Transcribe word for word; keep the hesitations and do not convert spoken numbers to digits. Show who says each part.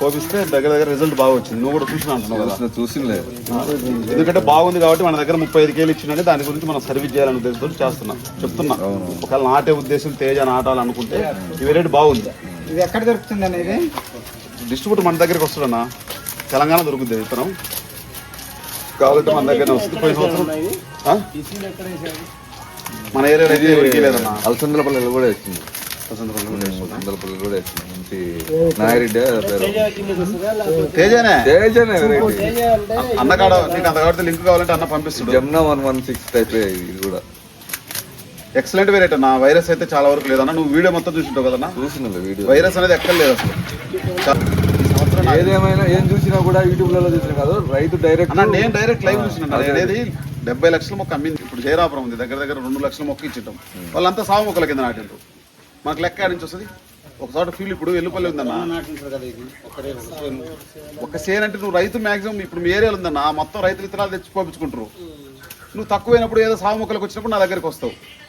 Speaker 1: కోపిస్తే దగ్గర దగ్గర రిజల్ట్ బాగా వచ్చింది. నువ్వు కూడా చూసిన అంటున్నావు కదా?
Speaker 2: చూసిలేదు.
Speaker 1: ఎందుకంటే బాగుంది కాబట్టి మన దగ్గర ముప్పై ఐదు కేలు ఇచ్చిందంటే దాని గురించి మనం సర్వీస్ చేయాలని ఉద్దేశంతో చేస్తున్నాం, చెప్తున్నా. ఒకవేళ నాటే ఉద్దేశం తేజ నాటాలనుకుంటే ఈ వెరైటీ బాగుంది.
Speaker 3: ఇది ఎక్కడ దొరుకుతుంది అనేది
Speaker 1: డిస్ట్రిబ్యూటర్ మన దగ్గరికి వస్తాడన్నా, తెలంగాణ దొరుకుతుంది విత్తనం. కావాలంటే మన దగ్గర వస్తుంది. పోయిన సంవత్సరం మన ఏరియాలో అయితే ఎవరికి లేదన్నా.
Speaker 2: అలసందలపల్లి కూడా వేస్తుంది. అలసందలపల్లి కూడా వేస్తుంది. మంచి నాయరెడ్డి
Speaker 1: తేజనే
Speaker 2: తేజనే వెరైటీ.
Speaker 1: అన్న కాడ నీకు అంత కాబట్టి లింక్ కావాలంటే అన్న పంపిస్తుంది.
Speaker 2: Jamuna one one six type ఇది కూడా
Speaker 1: ఎక్సలెంట్ వెరైటీ అన్న. వైరస్ అయితే చాలా వరకు లేదన్నా. నువ్వు వీడియో మొత్తం చూసింటావు కదన్నా?
Speaker 2: చూసిన వీడియో.
Speaker 1: వైరస్ అనేది ఎక్కడ లేదు అసలు.
Speaker 2: ఏదేమైనా ఏం చూసినా కూడా యూట్యూబ్ లలో చూసినా కాదు, రైతు డైరెక్ట్
Speaker 1: అన్న నేను డైరెక్ట్ లైవ్ చూసిన అనేది డెబ్బై లక్షల మొక్క అమ్మింది. ఇప్పుడు జయరాపురం ఉంది, దగ్గర దగ్గర రెండు లక్షల మొక్క ఇచ్చిటాం. వాళ్ళంతా సాగు మొక్కల కింద నాటింటారు. మనకు లెక్క నుంచి వస్తుంది ఒక చోట ఫీల్. ఇప్పుడు ఎల్లుపల్లి ఉందన్న, ఒక సేన్ అంటే నువ్వు రైతు మాక్సిమం ఇప్పుడు మీ ఏరియాలో ఉందన్న మొత్తం రైతు విత్తనాలు తెచ్చి పంపించుకుంటారు. నువ్వు తక్కువైనప్పుడు ఏదో సాగు మొక్కలకు వచ్చినప్పుడు నా దగ్గరికి వస్తావు.